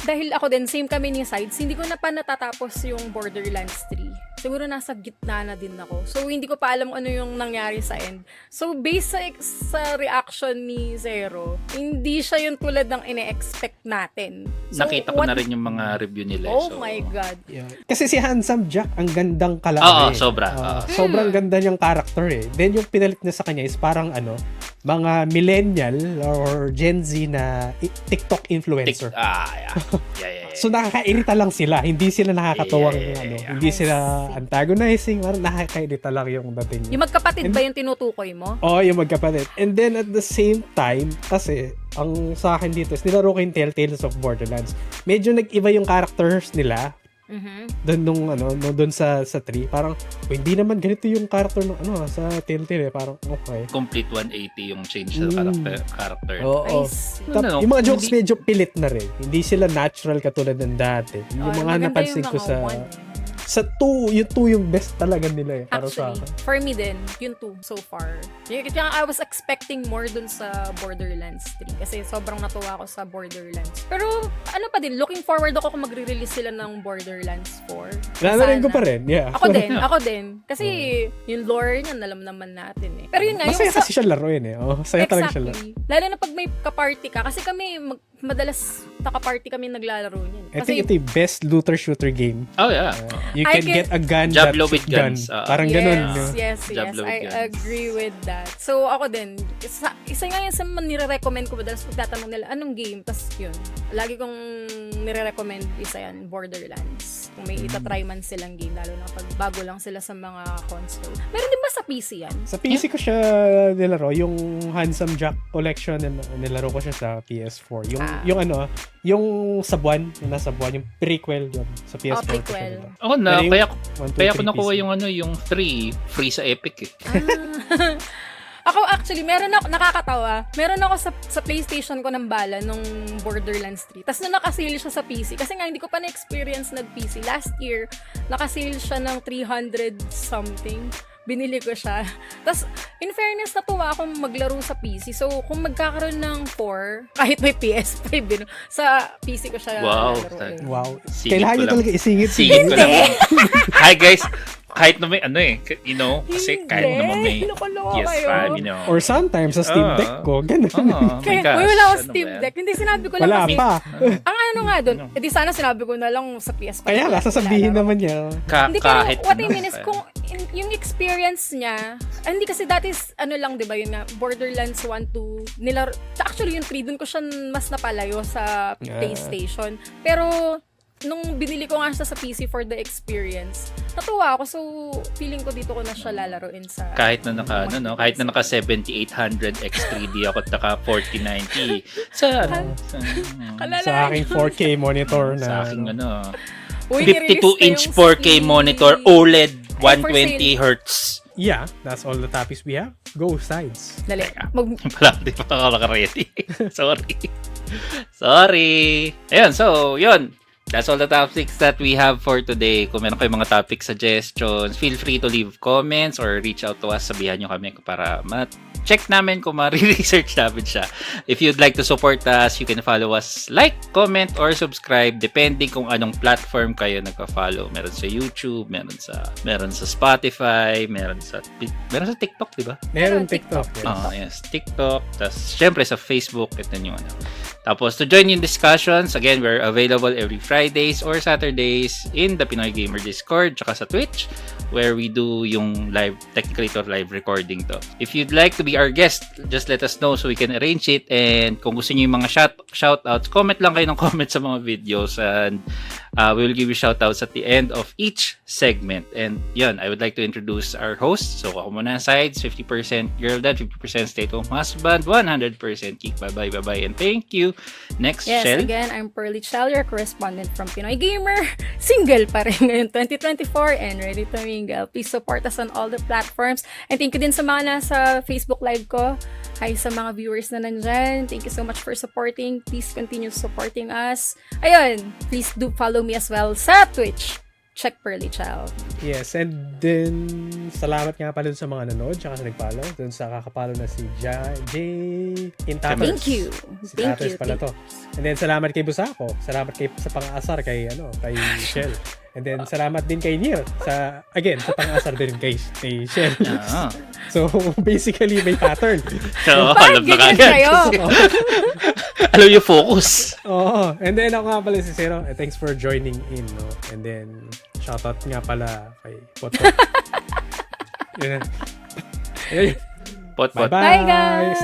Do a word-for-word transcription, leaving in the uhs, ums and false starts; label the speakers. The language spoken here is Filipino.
Speaker 1: dahil ako din, same kami ni Sides, hindi ko na pa natatapos yung Borderlands three. Siguro nasa gitna na din ako. So, hindi ko pa alam ano yung nangyari sa end. So, based sa, sa reaction ni Zero, hindi siya yung tulad ng ine-expect natin. So,
Speaker 2: nakita ko
Speaker 1: what...
Speaker 2: na rin yung mga review nila.
Speaker 1: Oh
Speaker 2: so...
Speaker 1: my God.
Speaker 3: Yeah. Kasi si Handsome Jack, ang gandang kalaki.
Speaker 2: Oo, sobra.
Speaker 3: Uh,
Speaker 2: Uh,
Speaker 3: sobrang ganda niyang character eh. Then yung pinalit niya sa kanya is parang ano, mga millennial or Gen Z na i- TikTok influencer.
Speaker 2: Tik- ah, yeah. Yeah, yeah, yeah.
Speaker 3: So nakakairita lang sila, hindi sila nakakatawang
Speaker 2: Yeah, yeah, yeah,
Speaker 3: ano,
Speaker 2: yeah.
Speaker 3: hindi sila antagonizing, parang nakakairita lang yung dating.
Speaker 1: Yung magkapatid
Speaker 3: And,
Speaker 1: ba yung tinutukoy mo?
Speaker 3: Oo, oh, yung magkapatid. And then at the same time, kasi ang sa akin dito is nilaro ko yung Telltales of Borderlands. Medyo nag-iba yung characters nila.
Speaker 1: Mhm.
Speaker 3: Doon nung ano, no, doon sa sa three, parang oh, hindi naman ganito yung character ng ano sa Telltale, eh. Parang okay.
Speaker 2: Complete one eighty yung change sa
Speaker 3: Mm.
Speaker 2: character. character.
Speaker 3: Oo.
Speaker 1: I see.
Speaker 3: Tap,
Speaker 2: No, no,
Speaker 3: yung mga jokes
Speaker 2: hindi-
Speaker 3: medyo pilit na rin. Hindi sila natural katulad ng dati. Yung
Speaker 1: Oh,
Speaker 3: mga
Speaker 1: maganda
Speaker 3: napansin
Speaker 1: yung
Speaker 3: ko
Speaker 1: mga
Speaker 3: sa
Speaker 1: one.
Speaker 3: sa two, yung two yung best talaga nila eh. Para sa
Speaker 1: Actually,
Speaker 3: akin.
Speaker 1: for me din, yun two so far. Y- Kaya I was expecting more dun sa Borderlands three kasi sobrang natuwa ako sa Borderlands. Pero ano pa din, looking forward ako kung magre-release sila ng Borderlands four.
Speaker 3: Nanarin ko
Speaker 1: Sana.
Speaker 3: pa rin, yeah.
Speaker 1: Ako din, ako din. Kasi yung lore niya, alam naman natin eh. Pero yun nga,
Speaker 3: Masaya
Speaker 1: yung sa...
Speaker 3: kasi siya laruin eh. Oh, saya talaga siya laro.
Speaker 1: Exactly. Lalo na pag may kaparty ka. Kasi kami, mag, madalas nakaparty kami naglalaro niyan.
Speaker 3: I
Speaker 1: Kasi,
Speaker 3: think ito yung best looter-shooter game.
Speaker 2: Oh, yeah.
Speaker 3: You
Speaker 1: I
Speaker 3: can,
Speaker 1: can-
Speaker 3: get a gun
Speaker 2: Diablo
Speaker 3: that
Speaker 2: with
Speaker 3: shoot gun.
Speaker 2: guns. Ah.
Speaker 3: Parang
Speaker 1: yes,
Speaker 3: ganun. No?
Speaker 1: yes, yes.
Speaker 2: Diablo with
Speaker 1: I
Speaker 2: guns.
Speaker 1: agree with that. So, ako din, isa, isa nga yan sa mga nire-recommend ko madalas pagtatanong nila, anong game? Tapos yun, lagi kong nire-recommend isa yan, Borderlands. Kung may itatry man silang game, lalo na pag bago lang sila sa mga console. Meron din ba sa P C yan?
Speaker 3: Sa P C ko siya nilaro, yung Handsome Jack Collection, nil- nilaro ko siya sa P S four. Yung,
Speaker 1: Ah.
Speaker 3: yung ano, yung sa buwan, yung nasa buwan, yung prequel yun, sa P S four.
Speaker 1: Oh,
Speaker 3: ko siya
Speaker 1: prequel.
Speaker 3: nilaro.
Speaker 2: Ako na,
Speaker 3: Pero yung
Speaker 2: kaya,
Speaker 3: one, two,
Speaker 2: kaya ko
Speaker 3: three
Speaker 2: nakuha
Speaker 3: P C.
Speaker 2: yung ano, yung three free sa Epic eh.
Speaker 1: Ah. Ako actually, meron ako, nakakatawa, meron ako sa, sa PlayStation ko ng bala nung Borderlands three. Tapos nung nakasale siya sa P C, kasi nga hindi ko pa na-experience nag-P C. Last year, nakasale siya ng three hundred something. Binili ko siya. Tapos, in fairness, natuwa akong maglaro sa P C. So, kung magkakaroon ng four, kahit may P S five, you know, sa P C ko siya
Speaker 2: Wow.
Speaker 1: lalaroin.
Speaker 3: Wow.
Speaker 2: Singit
Speaker 3: Kailangan
Speaker 2: ko
Speaker 3: nyo
Speaker 2: lang.
Speaker 3: talaga isingit.
Speaker 2: Singit ko lang. Hi guys, kahit na may ano eh, you know, kasi
Speaker 1: Hindi.
Speaker 2: kahit naman may
Speaker 1: Loko-loko
Speaker 2: P S five,
Speaker 1: kayo.
Speaker 2: you know.
Speaker 3: Or sometimes, sa Steam
Speaker 2: Ah.
Speaker 3: Deck ko, ganun.
Speaker 2: Oh, my
Speaker 1: Kaya,
Speaker 2: gosh.
Speaker 1: uy, wala ako
Speaker 2: Ano
Speaker 1: Steam
Speaker 2: ba yan?
Speaker 1: Deck. Hindi, sinabi ko lang
Speaker 3: Wala
Speaker 1: kasi,
Speaker 3: pa.
Speaker 1: ang ano nga doon,
Speaker 2: Ano?
Speaker 1: edi sana sinabi ko na lang sa P S five.
Speaker 3: Kaya nga, sasabihin
Speaker 1: Lalaro.
Speaker 3: naman niya.
Speaker 2: Ka-
Speaker 1: Hindi, pero
Speaker 2: kahit
Speaker 1: what I
Speaker 2: ano,
Speaker 1: mean is,
Speaker 2: kaya-
Speaker 1: kung in- yung experience niya, ah, hindi kasi dati, is, ano lang, di ba, yun nga, Borderlands one, two, nilaro, actually yung three, dun ko siya mas napalayo sa
Speaker 3: Ah.
Speaker 1: PlayStation. Pero, nung binili ko nga siya sa P C for the experience, natuwa ako, so, feeling ko dito ko na siya lalaroin sa...
Speaker 2: kahit na naka ano no, kahit na naka seventy-eight hundred X three D ako at naka forty ninety sa ano, sa,
Speaker 1: Kalala-
Speaker 3: Sa aking four K monitor na.
Speaker 2: sa aking ano,
Speaker 1: Uy,
Speaker 2: fifty-two
Speaker 1: nirelease na
Speaker 2: inch
Speaker 1: yung
Speaker 2: four K
Speaker 1: Steam.
Speaker 2: monitor O L E D
Speaker 1: Ay,
Speaker 2: one
Speaker 1: for
Speaker 2: twenty
Speaker 1: sale.
Speaker 2: hertz.
Speaker 3: Yeah, that's all the topics we have. Go sides.
Speaker 1: Dali,
Speaker 2: Teka.
Speaker 1: mag...
Speaker 2: Wala, di pa ako naka-ready. Sorry. Sorry. Ayun, so, yun. That's all the topics that we have for today. Kung meron kayong mga topic suggestions, feel free to leave comments or reach out to us. Sabihan nyo kami para ma-check namin kung ma-research namin siya. If you'd like to support us, you can follow us, like, comment, or subscribe depending kung anong platform kayo nagpa-follow. Meron sa YouTube, meron sa meron sa Spotify, meron sa meron sa TikTok, di ba?
Speaker 3: Meron
Speaker 1: Meron
Speaker 3: TikTok.
Speaker 1: TikTok.
Speaker 3: Yes.
Speaker 2: Ah, yes, TikTok. Tapos, syempre sa Facebook. Ito yung ano. Tapos, to join in discussions, again, we're available every Fridays or Saturdays in the Pinoy Gamer Discord, tsaka sa Twitch, where we do yung live, technically ito live recording to. If you'd like to be our guest, just let us know so we can arrange it. And kung gusto niyo yung mga shout, shoutouts, comment lang kayo ng comment sa mga videos and uh, we will give you shoutouts at the end of each segment. And yun, I would like to introduce our host. So, ako muna sides, fifty percent girl dad, fifty percent stay-at-home husband, one hundred percent geek. Bye-bye, bye-bye, and thank you. Next,
Speaker 1: Yes,
Speaker 2: Shell.
Speaker 1: again, I'm Pearly Chell, your correspondent from Pinoy Gamer. Single pa rin ngayon, twenty twenty-four, and ready to mingle. Please support us on all the platforms. And thank you din sa mga nasa Facebook Live ko. Hi sa mga viewers na nandyan. Thank you so much for supporting. Please continue supporting us. Ayun, please do follow me as well sa Twitch. check Pearly Child.
Speaker 3: Yes, and then salamat nga pala dun sa mga nanood tsaka sa nag-follow. Dun sa kakapalo na si Ja- Jay Intatas.
Speaker 1: Thank you.
Speaker 3: Si
Speaker 1: Thank
Speaker 3: Tatas
Speaker 1: you.
Speaker 3: pala
Speaker 1: Thank
Speaker 3: to. And then salamat kay Busako. Salamat kay sa pang-asar kay ano, kay Shell. And then salamat din kay Nier sa again sa pang-asar din kay kay Shell.
Speaker 2: Ah.
Speaker 3: So basically may pattern.
Speaker 2: So,
Speaker 1: Bakit
Speaker 2: alam na
Speaker 1: ganyan
Speaker 2: kagad.
Speaker 1: kayo?
Speaker 2: Alam yung focus.
Speaker 3: Oo. And then ako nga pala si Zero. Eh, thanks for joining in, no? And then shoutout nga pala kay Poto. Yun. Yun.
Speaker 2: Pot, pot.
Speaker 3: Bye-bye.
Speaker 1: Bye, guys!